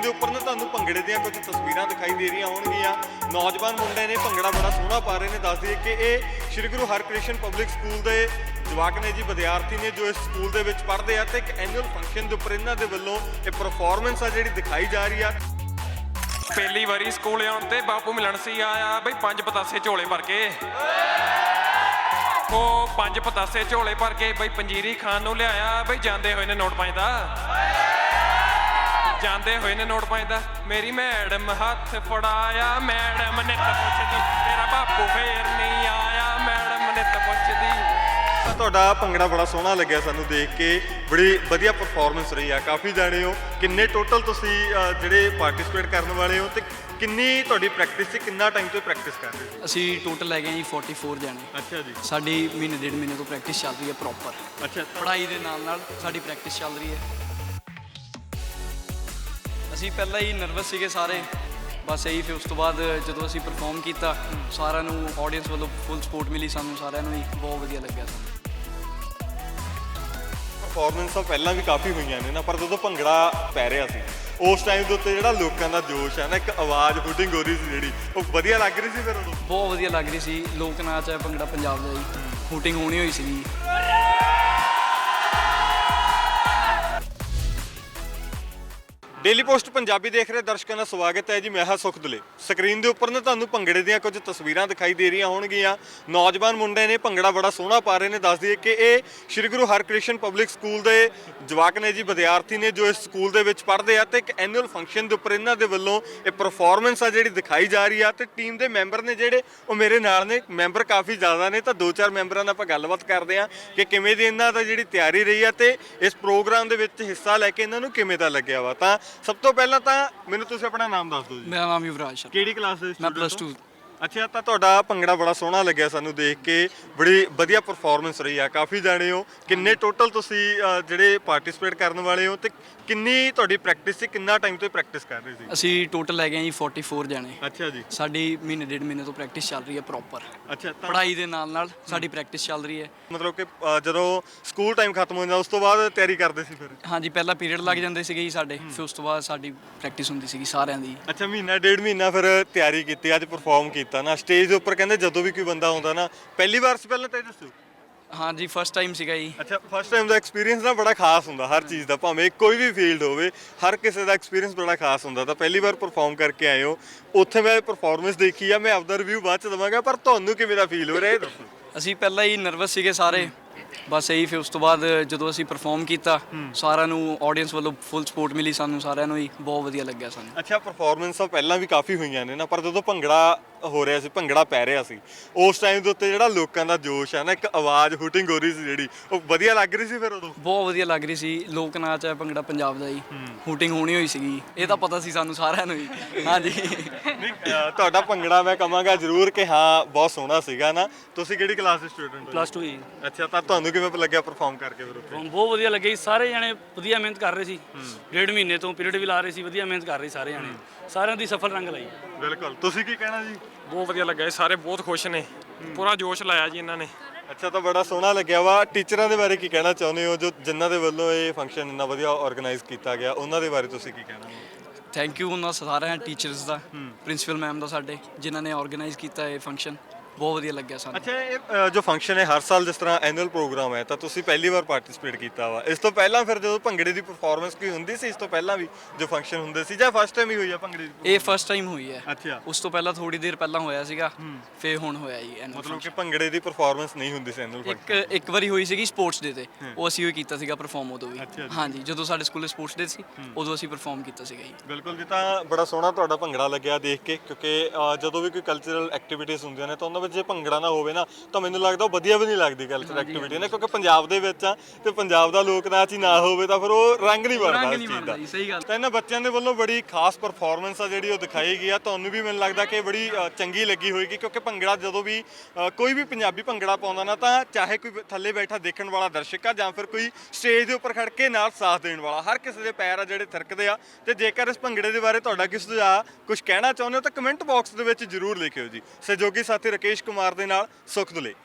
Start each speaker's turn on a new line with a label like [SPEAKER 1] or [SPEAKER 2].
[SPEAKER 1] ਦੇ ਉੱਪਰ ਨਾ ਤੁਹਾਨੂੰ ਭੰਗੜੇ ਦੀਆਂ ਕੁਝ ਤਸਵੀਰਾਂ ਦਿਖਾਈ ਦੇ ਰਹੀਆਂ ਹੋਣਗੀਆਂ। ਨੌਜਵਾਨ ਮੁੰਡੇ ਨੇ ਭੰਗੜਾ ਬੜਾ ਸੋਹਣਾ ਪਾ ਰਹੇ ਨੇ। ਦੱਸ ਦਈਏ ਕਿ ਇਹ ਸ਼੍ਰੀ ਗੁਰੂ ਹਰਕ੍ਰਿਸ਼ਨ ਪਬਲਿਕ ਸਕੂਲ ਦੇ ਜਵਾਕ ਨੇ ਜੀ, ਵਿਦਿਆਰਥੀ ਨੇ ਜੋ ਇਸ ਸਕੂਲ ਦੇ ਵਿੱਚ ਪੜ੍ਹਦੇ ਆ ਤੇ ਇੱਕ ਐਨੂਅਲ ਫੰਕਸ਼ਨ ਦੇ ਉੱਪਰ ਇਹਨਾਂ ਦੇ ਵੱਲੋਂ ਇਹ ਪਰਫਾਰਮੈਂਸ ਆ ਜਿਹੜੀ ਦਿਖਾਈ ਜਾ ਰਹੀ ਆ।
[SPEAKER 2] ਪਹਿਲੀ ਵਾਰੀ ਸਕੂਲ ਆਉਣ ਤੇ ਬਾਪੂ ਮਿਲਣ ਸੀ ਆਇਆ ਬਈ 5 ਪਤਾਸੇ ਝੋਲੇ ਭਰ ਕੇ, ਉਹ 5 ਪਤਾਸੇ ਝੋਲੇ ਭਰ ਕੇ ਬਈ ਪੰਜੀਰੀ ਖਾਣ ਨੂੰ ਲਿਆਇਆ ਬਈ ਜਾਂਦੇ ਹੋਏ ਨੇ ਨੋਟ 5 ਦਾ, ਜਾਂਦੇ ਹੋਏ ਨੇ ਨੋਟ 5 ਦਾ। ਮੇਰੀ ਮੈਡਮ ਹੱਥ ਫੜਾਇਆ, ਮੈਡਮ ਨੇ ਤਾਂ ਪੁੱਛਦੀ ਤੇਰਾ ਬਾਪੂ ਫੇਰ ਨਹੀਂ ਆਇਆ, ਮੈਡਮ ਨੇ ਤਾਂ ਪੁੱਛਦੀ।
[SPEAKER 1] ਤੁਹਾਡਾ ਭੰਗੜਾ ਬੜਾ ਸੋਹਣਾ ਲੱਗਿਆ ਸਾਨੂੰ ਦੇਖ ਕੇ, ਬੜੀ ਵਧੀਆ ਪਰਫਾਰਮੈਂਸ ਰਹੀ ਆ। ਕਾਫੀ ਜਾਣੇ ਹੋ, ਕਿੰਨੇ ਟੋਟਲ ਤੁਸੀਂ ਜਿਹੜੇ ਪਾਰਟਿਸਿਪੇਟ ਕਰਨ ਵਾਲੇ ਹੋ ਤੇ ਕਿੰਨੀ ਤੁਹਾਡੀ ਪ੍ਰੈਕਟਿਸ ਸੀ, ਕਿੰਨਾ ਟਾਈਮ ਤੋਂ ਪ੍ਰੈਕਟਿਸ ਕਰ ਰਹੇ ਹੋ?
[SPEAKER 3] ਅਸੀਂ ਟੋਟਲ ਹੈਗੇ ਜੀ 44 ਜਾਣੇ।
[SPEAKER 1] ਅੱਛਾ ਜੀ।
[SPEAKER 3] ਸਾਡੀ ਮਹੀਨੇ ਡੇਢ ਮਹੀਨੇ ਤੋਂ ਪ੍ਰੈਕਟਿਸ ਚੱਲ ਰਹੀ ਹੈ ਪ੍ਰੋਪਰ।
[SPEAKER 1] ਅੱਛਾ,
[SPEAKER 3] ਪੜ੍ਹਾਈ ਦੇ ਨਾਲ ਸਾਡੀ ਪ੍ਰੈਕਟਿਸ ਚੱਲ ਰਹੀ ਹੈ। ਅਸੀਂ ਪਹਿਲਾਂ ਹੀ ਨਰਵਸ ਸੀਗੇ ਸਾਰੇ, ਬਸ ਇਹੀ। ਫਿਰ ਉਸ ਤੋਂ ਬਾਅਦ ਜਦੋਂ ਅਸੀਂ ਪਰਫਾਰਮ ਕੀਤਾ, ਸਾਰਿਆਂ ਨੂੰ ਆਡੀਅנס ਵੱਲੋਂ ਫੁੱਲ ਸਪੋਰਟ ਮਿਲੀ ਸਾਨੂੰ, ਸਾਰਿਆਂ ਨੂੰ ਹੀ ਬਹੁਤ ਵਧੀਆ ਲੱਗਿਆ ਸਾਨੂੰ।
[SPEAKER 1] ਪਰਫਾਰਮੈਂਸ ਤਾਂ ਪਹਿਲਾਂ ਵੀ ਕਾਫੀ ਹੋਈਆਂ ਨੇ ਨਾ, ਪਰ ਜਦੋਂ ਭੰਗੜਾ ਪੈ ਰਿਹਾ ਸੀ ਉਸ ਟਾਈਮ ਦੇ ਉੱਤੇ ਜਿਹੜਾ ਲੋਕਾਂ ਦਾ ਜੋਸ਼ ਹੈ ਨਾ, ਇੱਕ ਆਵਾਜ਼ ਹੁਟਿੰਗ ਹੋ ਰਹੀ ਸੀ ਜਿਹੜੀ, ਉਹ ਵਧੀਆ ਲੱਗ ਰਹੀ ਸੀ। ਫਿਰ ਉਦੋਂ
[SPEAKER 3] ਬਹੁਤ ਵਧੀਆ ਲੱਗ ਰਹੀ ਸੀ। ਲੋਕ ਨਾਚ ਹੈ ਭੰਗੜਾ ਪੰਜਾਬ ਦਾ ਜੀ, ਹੂਟਿੰਗ ਹੋਣੀ ਹੋਈ ਸੀ।
[SPEAKER 1] ਡੇਲੀ ਪੋਸਟ ਪੰਜਾਬੀ ਦੇਖ ਰਹੇ ਦਰਸ਼ਕਾਂ ਦਾ ਸਵਾਗਤ ਹੈ ਜੀ। ਮੈਂ ਹਾਂ ਸੁਖਦਲੇ। ਸਕਰੀਨ ਦੇ ਉੱਪਰ ਨਾ ਤੁਹਾਨੂੰ ਭੰਗੜੇ ਦੀਆਂ ਕੁਝ ਤਸਵੀਰਾਂ ਦਿਖਾਈ ਦੇ ਰਹੀਆਂ ਹੋਣਗੀਆਂ। ਨੌਜਵਾਨ ਮੁੰਡੇ ਨੇ ਭੰਗੜਾ ਬੜਾ ਸੋਹਣਾ ਪਾ ਰਹੇ ਨੇ। ਦੱਸ ਦਈਏ ਕਿ ਇਹ ਸ਼੍ਰੀ ਗੁਰੂ ਹਰਕ੍ਰਿਸ਼ਨ ਪਬਲਿਕ ਸਕੂਲ ਦੇ ਜਵਾਕ ਨੇ ਜੀ, ਵਿਦਿਆਰਥੀ ਨੇ ਜੋ ਇਸ ਸਕੂਲ ਦੇ ਵਿੱਚ ਪੜ੍ਹਦੇ ਆ ਤੇ ਇੱਕ ਐਨੂਅਲ ਫੰਕਸ਼ਨ ਦੇ ਉੱਪਰ ਇਹਨਾਂ ਦੇ ਵੱਲੋਂ ਇਹ ਪਰਫਾਰਮੈਂਸ ਆ ਜਿਹੜੀ ਦਿਖਾਈ ਜਾ ਰਹੀ ਆ। ਤੇ ਟੀਮ ਦੇ ਮੈਂਬਰ ਨੇ ਜਿਹੜੇ ਉਹ ਮੇਰੇ ਨਾਲ ਨੇ। ਮੈਂਬਰ ਕਾਫੀ ਜ਼ਿਆਦਾ ਨੇ, ਤਾਂ 2-4 ਮੈਂਬਰਾਂ ਨਾਲ ਆਪਾਂ ਗੱਲਬਾਤ ਕਰਦੇ ਆ ਕਿ ਕਿਵੇਂ ਦੀ ਇਹਨਾਂ ਦਾ ਜਿਹੜੀ ਤਿਆਰੀ ਰਹੀ ਆ ਤੇ ਇਸ ਪ੍ਰੋਗਰਾਮ ਦੇ ਵਿੱਚ ਹਿੱਸਾ ਲੈ ਕੇ ਇਹਨਾਂ ਨੂੰ ਕਿਵੇਂ ਦਾ ਲੱਗਿਆ ਵਾ। ਤਾਂ ਸਭ ਤੋਂ ਪਹਿਲਾਂ ਤਾਂ ਮੈਨੂੰ ਤੁਸੀਂ ਆਪਣਾ ਨਾਮ ਦੱਸ ਦਿਓ ਜੀ।
[SPEAKER 3] ਮੇਰਾ ਨਾਮ ਯੁਵਰਾਜ ਸ਼ਰਮਾ।
[SPEAKER 1] ਕਿਹੜੀ ਕਲਾਸ ਦੇ
[SPEAKER 3] ਮੈਂ
[SPEAKER 1] ਸਟੂਡੈਂਟ
[SPEAKER 3] +2।
[SPEAKER 1] ਅੱਛਾ, ਤਾਂ ਤੁਹਾਡਾ ਭੰਗੜਾ ਬੜਾ ਸੋਹਣਾ ਲੱਗਿਆ ਸਾਨੂੰ ਦੇਖ ਕੇ, ਬੜੀ ਵਧੀਆ ਪਰਫਾਰਮੈਂਸ ਰਹੀ ਆ। ਕਾਫੀ ਜਾਣੇ ਹੋ, ਕਿੰਨੇ ਟੋਟਲ ਤੁਸੀਂ ਜਿਹੜੇ ਪਾਰਟਿਸਿਪੇਟ ਕਰਨ ਵਾਲੇ ਹੋ ਤੇ ਕਿੰਨੀ ਤੁਹਾਡੀ ਪ੍ਰੈਕਟਿਸ ਸੀ, ਕਿੰਨਾ ਟਾਈਮ ਤੋਂ ਪ੍ਰੈਕਟਿਸ ਕਰ ਰਹੇ ਸੀ?
[SPEAKER 3] ਅਸੀਂ ਟੋਟਲ ਹੈਗੇ ਜੀ 44 ਜਾਣੇ।
[SPEAKER 1] ਅੱਛਾ ਜੀ।
[SPEAKER 3] ਸਾਡੀ ਮਹੀਨੇ ਡੇਢ ਮਹੀਨੇ ਤੋਂ ਪ੍ਰੈਕਟਿਸ ਚੱਲ ਰਹੀ ਹੈ ਪ੍ਰੋਪਰ।
[SPEAKER 1] ਅੱਛਾ,
[SPEAKER 3] ਪੜ੍ਹਾਈ ਦੇ ਨਾਲ ਸਾਡੀ ਪ੍ਰੈਕਟਿਸ ਚੱਲ ਰਹੀ ਹੈ।
[SPEAKER 1] ਮਤਲਬ ਕਿ ਜਦੋਂ ਸਕੂਲ ਟਾਈਮ ਖਤਮ ਹੋ ਜਾਂਦਾ ਉਸ ਤੋਂ ਬਾਅਦ ਤਿਆਰੀ ਕਰਦੇ ਸੀ ਫਿਰ?
[SPEAKER 3] ਹਾਂਜੀ, ਪਹਿਲਾਂ ਪੀਰੀਅਡ ਲੱਗ ਜਾਂਦੇ ਸੀਗੇ ਜੀ ਸਾਡੇ, ਫਿਰ ਉਸ ਤੋਂ ਬਾਅਦ ਸਾਡੀ ਪ੍ਰੈਕਟਿਸ ਹੁੰਦੀ ਸੀਗੀ ਸਾਰਿਆਂ ਦੀ।
[SPEAKER 1] ਅੱਛਾ, ਮਹੀਨਾ ਡੇਢ ਮਹੀਨਾ ਫਿਰ ਤਿਆਰੀ ਕੀਤੀ, ਅੱਜ ਪਰਫਾਰਮ ਕੀਤਾ ਨਾ ਸਟੇਜ ਦੇ ਉੱਪਰ। ਕਹਿੰਦੇ ਜਦੋਂ ਵੀ ਕੋਈ ਬੰਦਾ ਆਉਂਦਾ ਨਾ, ਪਹਿਲੀ ਵਾਰ ਸੀ ਪਹਿਲਾਂ ਤਾਂ ਇਹ ਦੱਸੋ?
[SPEAKER 3] ਹਾਂਜੀ, ਫਸਟ ਟਾਈਮ ਸੀਗਾ ਜੀ।
[SPEAKER 1] ਅੱਛਾ, ਫਸਟ ਟਾਈਮ ਦਾ ਐਕਸਪੀਰੀਅੰਸ ਨਾ ਬੜਾ ਖਾਸ ਹੁੰਦਾ ਹਰ ਚੀਜ਼ ਦਾ, ਭਾਵੇਂ ਕੋਈ ਵੀ ਫੀਲਡ ਹੋਵੇ, ਹਰ ਕਿਸੇ ਦਾ ਐਕਸਪੀਰੀਅੰਸ ਬੜਾ ਖਾਸ ਹੁੰਦਾ। ਤਾਂ ਪਹਿਲੀ ਵਾਰ ਪਰਫਾਰਮ ਕਰਕੇ ਆਏ ਹੋ, ਉੱਥੇ ਮੈਂ ਪਰਫਾਰਮੈਂਸ ਦੇਖੀ ਆ, ਮੈਂ ਆਪਦਾ ਰਿਵਿਊ ਬਾਅਦ ਚ ਦਵਾਂਗਾ, ਪਰ ਤੁਹਾਨੂੰ ਕਿਵੇਂ ਦਾ ਫੀਲ ਹੋ ਰਿਹਾ ਇਹ ਦੱਸੋ?
[SPEAKER 3] ਅਸੀਂ ਪਹਿਲਾਂ ਹੀ ਨਰਵਸ ਸੀਗੇ ਸਾਰੇ, ਬਸ ਇਹੀ। ਫਿਰ ਉਸ ਤੋਂ ਬਾਅਦ ਜਦੋਂ ਅਸੀਂ ਪਰਫਾਰਮ ਕੀਤਾ, ਸਾਰਿਆਂ ਨੂੰ ਆਡੀਅנס ਵੱਲੋਂ ਫੁੱਲ ਸਪੋਰਟ ਮਿਲੀ ਸਾਨੂੰ, ਸਾਰਿਆਂ ਨੂੰ ਹੀ ਬਹੁਤ ਵਧੀਆ ਲੱਗਿਆ ਸਾਨੂੰ।
[SPEAKER 1] ਅੱਛਾ, ਪਰਫਾਰਮੈਂਸ ਤਾਂ ਪਹਿਲਾਂ ਵੀ ਕਾਫੀ ਹੋਈਆਂ ਨੇ ਨਾ, ਪਰ ਜਦੋਂ ਭੰਗੜਾ ਹੋ ਰਿਹਾ ਸੀ, ਭੰਗੜਾ ਪੈ ਰਿਹਾ ਸੀ ਉਸ ਟਾਈਮ ਦੇ ਉੱਤੇ ਜਿਹੜਾ ਲੋਕਾਂ ਦਾ ਜੋਸ਼ ਹੈ ਨਾ, ਇੱਕ ਆਵਾਜ਼ ਹੁਟਿੰਗ ਹੋ ਰਹੀ ਸੀ ਜਿਹੜੀ, ਉਹ ਵਧੀਆ ਲੱਗ ਰਹੀ ਸੀ ਫਿਰ ਉਦੋਂ?
[SPEAKER 3] ਬਹੁਤ ਵਧੀਆ ਲੱਗ ਰਹੀ ਸੀ। ਲੋਕ ਨਾਚ ਹੈ ਭੰਗੜਾ ਪੰਜਾਬ ਦਾ ਜੀ, ਹੂਟਿੰਗ ਹੋਣੀ ਹੋਈ ਸੀਗੀ। ਇਹ ਤਾਂ ਪਤਾ ਸੀ ਸਾਨੂੰ ਸਾਰਿਆਂ ਨੂੰ ਹੀ। ਹਾਂਜੀ।
[SPEAKER 1] ਤੁਹਾਡਾ ਭੰਗੜਾ ਮੈਂ ਕਹਾਂਗਾ ਜ਼ਰੂਰ ਕਿ ਹਾਂ ਬਹੁਤ ਸੋਹਣਾ ਸੀਗਾ ਨਾ। ਤੁਸੀਂ ਕਿਹੜੀ ਕਲਾਸ ਦੇ ਸਟੂਡੈਂਟ ਹੋ?
[SPEAKER 4] +2 ਜੀ।
[SPEAKER 1] ਅੱਛਾ, ਤਾਂ ਤੁਹਾਨੂੰ ਕਿਵੇਂ ਲੱਗਿਆ ਪਰਫਾਰਮ ਕਰਕੇ ਫਿਰ ਉੱਥੇ?
[SPEAKER 4] ਬਹੁਤ ਵਧੀਆ ਲੱਗਿਆ ਜੀ। ਸਾਰੇ ਜਣੇ ਵਧੀਆ ਮਿਹਨਤ ਕਰ ਰਹੇ ਸੀ, ਡੇਢ ਮਹੀਨੇ ਤੋਂ ਪੀਰੀਅਡ ਵੀ ਲਾ ਰਹੇ ਸੀ, ਵਧੀਆ ਮਿਹਨਤ ਕਰ ਰਹੇ ਸਾਰੇ ਜਣੇ, ਸਾਰਿਆਂ ਦੀ ਸਫਲ ਰੰਗ ਲਾਈ।
[SPEAKER 1] ਬਿਲਕੁਲ। ਤੁਸੀਂ ਕੀ ਕਹਿਣਾ ਜੀ?
[SPEAKER 2] ਬਹੁਤ ਵਧੀਆ ਲੱਗਾ ਜੀ, ਸਾਰੇ ਬਹੁਤ ਖੁਸ਼ ਨੇ, ਪੂਰਾ ਜੋਸ਼ ਲਾਇਆ ਜੀ ਇਹਨਾਂ ਨੇ।
[SPEAKER 1] ਅੱਛਾ, ਤਾਂ ਬੜਾ ਸੋਹਣਾ ਲੱਗਿਆ ਵਾ। ਟੀਚਰਾਂ ਦੇ ਬਾਰੇ ਕੀ ਕਹਿਣਾ ਚਾਹੁੰਦੇ ਹੋ, ਜੋ ਜਿਨ੍ਹਾਂ ਦੇ ਵੱਲੋਂ ਇਹ ਫੰਕਸ਼ਨ ਇੰਨਾ ਵਧੀਆ ਆਰਗੇਨਾਈਜ਼ ਕੀਤਾ ਗਿਆ, ਉਹਨਾਂ ਦੇ ਬਾਰੇ ਤੁਸੀਂ ਕੀ ਕਹਿਣਾ?
[SPEAKER 3] ਥੈਂਕ ਯੂ ਉਹਨਾਂ ਸਾਰਿਆਂ ਟੀਚਰਸ ਦਾ, ਪ੍ਰਿੰਸੀਪਲ ਮੈਮ ਦਾ ਸਾਡੇ, ਜਿਨ੍ਹਾਂ ਨੇ ਆਰਗੇਨਾਈਜ਼ ਕੀਤਾ ਇਹ ਫੰਕਸ਼ਨ। ਬਹੁਤ ਵਧੀਆ ਲੱਗਿਆ ਸਾਨੂੰ।
[SPEAKER 1] ਅੱਛਾ, ਇਹ ਜੋ ਫੰਕਸ਼ਨ ਹੈ ਹਰ ਸਾਲ ਜਿਸ ਤਰ੍ਹਾਂ ਐਨੂਅਲ ਪ੍ਰੋਗਰਾਮ ਹੈ, ਤਾਂ ਤੁਸੀਂ ਪਹਿਲੀ ਵਾਰ ਪਾਰਟਿਸਿਪੇਟ ਕੀਤਾ ਵਾ। ਇਸ ਤੋਂ ਪਹਿਲਾਂ ਫਿਰ ਜਦੋਂ ਭੰਗੜੇ ਦੀ ਪਰਫਾਰਮੈਂਸ ਕੋਈ ਹੁੰਦੀ ਸੀ ਇਸ ਤੋਂ ਪਹਿਲਾਂ ਵੀ ਜੋ ਫੰਕਸ਼ਨ ਹੁੰਦੇ ਸੀ, ਜਾਂ ਫਸਟ ਟਾਈਮ ਹੀ ਹੋਈ ਆ ਭੰਗੜੇ ਦੀ?
[SPEAKER 3] ਇਹ ਫਸਟ ਟਾਈਮ ਹੋਈ ਹੈ।
[SPEAKER 1] ਅੱਛਾ।
[SPEAKER 3] ਉਸ ਤੋਂ ਪਹਿਲਾਂ ਥੋੜੀ ਦੇਰ ਪਹਿਲਾਂ ਹੋਇਆ ਸੀਗਾ, ਫਿਰ ਹੁਣ ਹੋਇਆ ਜੀ annual
[SPEAKER 1] ਮਤਲਬ ਕਿ
[SPEAKER 3] function।
[SPEAKER 1] ਭੰਗੜੇ ਦੀ ਪਰਫਾਰਮੈਂਸ ਨਹੀਂ ਹੁੰਦੀ ਸੀ ਐਨੂਅਲ ਫੰਕਸ਼ਨ?
[SPEAKER 3] ਇੱਕ ਵਾਰੀ ਹੋਈ ਸੀਗੀ ਸਪੋਰਟਸ ਡੇ ਤੇ, ਉਹ ਅਸੀਂ ਉਹ ਕੀਤਾ ਸੀਗਾ ਪਰਫਾਰਮ ਉਦੋਂ ਵੀ।
[SPEAKER 1] ਅੱਛਾ ਜੀ।
[SPEAKER 3] ਹਾਂਜੀ, ਜਦੋਂ ਸਾਡੇ ਸਕੂਲੇ ਸਪੋਰਟਸ ਡੇ ਸੀ ਉਦੋਂ ਅਸੀਂ ਪਰਫਾਰਮ ਕੀਤਾ ਸੀਗਾ ਜੀ।
[SPEAKER 1] ਬਿਲਕੁਲ ਜੀ। ਤਾਂ ਬੜਾ ਸੋਹਣਾ ਤੁਹਾਡਾ ਭੰਗੜਾ ਲੱਗਿਆ ਦੇਖ ਕੇ, ਕਿਉਂਕਿ ਜਦੋਂ ਵੀ ਕੋਈ ਕਲਚਰਲ ਐਕਟੀਵਿਟੀਜ਼ ਹੁੰਦੀਆਂ ਨੇ ਤਾਂ ਉਹਨਾਂ ਵਿੱਚ ਜੇ ਭੰਗੜਾ ਨਾ ਹੋਵੇ ਨਾ, ਤਾਂ ਮੈਨੂੰ ਲੱਗਦਾ ਉਹ ਵਧੀਆ ਵੀ ਨਹੀਂ ਲੱਗਦੀ ਕਲਚਰਲ ਐਕਟੀਵਿਟੀ ਨਾ, ਕਿਉਂਕਿ ਪੰਜਾਬ ਦੇ ਵਿੱਚ ਆ ਤੇ ਪੰਜਾਬ ਦਾ ਲੋਕ ਨਾਚ ਹੀ ਨਾ ਹੋਵੇ ਤਾਂ ਫਿਰ ਉਹ ਰੰਗ ਨਹੀਂ ਬਣਦਾ ਇਸ ਚੀਜ਼ ਦਾ।
[SPEAKER 3] ਸਹੀ ਗੱਲ।
[SPEAKER 1] ਤਾਂ ਇਹਨਾਂ ਬੱਚਿਆਂ ਦੇ ਵੱਲੋਂ ਬੜੀ ਖਾਸ ਪਰਫਾਰਮੈਂਸ ਆ ਜਿਹੜੀ ਉਹ ਦਿਖਾਈ ਗਈ ਆ। ਤੁਹਾਨੂੰ ਵੀ ਮੈਨੂੰ ਲੱਗਦਾ ਕਿ ਬੜੀ ਚੰਗੀ ਲੱਗੀ ਹੋਏਗੀ, ਕਿਉਂਕਿ ਭੰਗੜਾ ਜਦੋਂ ਵੀ ਕੋਈ ਵੀ ਪੰਜਾਬੀ ਭੰਗੜਾ ਪਾਉਂਦਾ ਨਾ, ਤਾਂ ਚਾਹੇ ਕੋਈ ਥੱਲੇ ਬੈਠਾ ਦੇਖਣ ਵਾਲਾ ਦਰਸ਼ਕ ਆ ਜਾਂ ਫਿਰ ਕੋਈ ਸਟੇਜ ਦੇ ਉੱਪਰ ਖੜ ਕੇ ਨਾਲ ਸਾਥ ਦੇਣ ਵਾਲਾ, ਹਰ ਕਿਸੇ ਦੇ ਪੈਰ ਆ ਜਿਹੜੇ ਥਿਰਕਦੇ ਆ। ਤੇ ਜੇਕਰ ਇਸ ਭੰਗੜੇ ਦੇ ਬਾਰੇ ਤੁਹਾਡਾ ਕਿਸੇ ਸੁਝਾਅ ਕੁਝ ਕਹਿਣਾ ਚਾਹੁੰਦੇ ਹੋ ਤਾਂ ਕਮੈਂਟ ਬਾਕਸ ਦੇ ਵਿੱਚ ਜ਼ਰੂਰ ਲਿਖਿਓ ਜੀ। ਸਹਿਯੋਗੀ ਸਾਥੀ ਰਾਕੇਸ਼ ਕੁਮਾਰ ਦੇ ਨਾਲ ਸੁਖਦਲੇ।